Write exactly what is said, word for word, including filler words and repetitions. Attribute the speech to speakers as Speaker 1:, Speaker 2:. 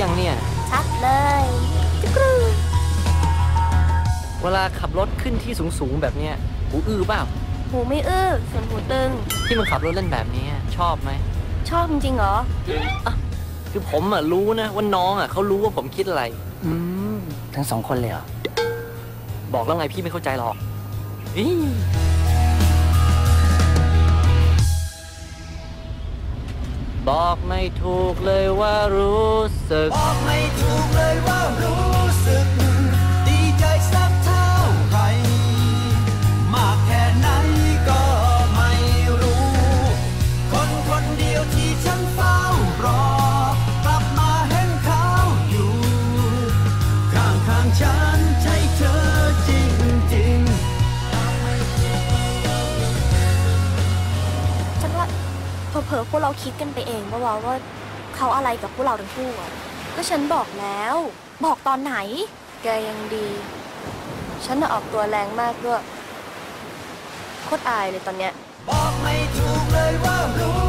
Speaker 1: ยังเนี่ย
Speaker 2: ชัดเลยจุกรู
Speaker 1: เวลาขับรถขึ้นที่สูงๆแบบเนี้ยหูอื้อเปล่า
Speaker 2: หูไม่อื้อส่วนหูตึง
Speaker 1: ที่มันขับรถเล่นแบบนี้ชอบไหม
Speaker 2: ชอบจริงๆเหรอ
Speaker 1: อ่ะคือผมอ่ะรู้นะว่าน้องอ่ะเขารู้ว่าผมคิดอะไร
Speaker 3: อืมทั้งสองคนเลยเหรอ
Speaker 1: บอกแล้วไงพี่ไม่เข้าใจหรอกบอกไม่ถูกเลยว่ารู้สึก
Speaker 4: บอกไม่ถูกเลยว่ารู้สึกดีใจสักเท่าไหร่มากแค่ไหนก็ไม่รู้คนคนเดียวที่ฉันเฝ้ารอกลับมาเห็นเขาอยู่ข้างข้างฉันใช่เธอจริงจริง
Speaker 2: ฉันว่าเผลอๆพวกเราคิดกันไปเองว่าว่าเขาอะไรกับพวกเราทั้งคู่อ่ะก็ฉันบอกแล้วบอกตอนไหนแกยังดีฉันน่ะออกตัวแรงมากด้วยโคตรอายเลยตอนเนี้ย
Speaker 4: บอกไม่ถูกเลยว่ารู้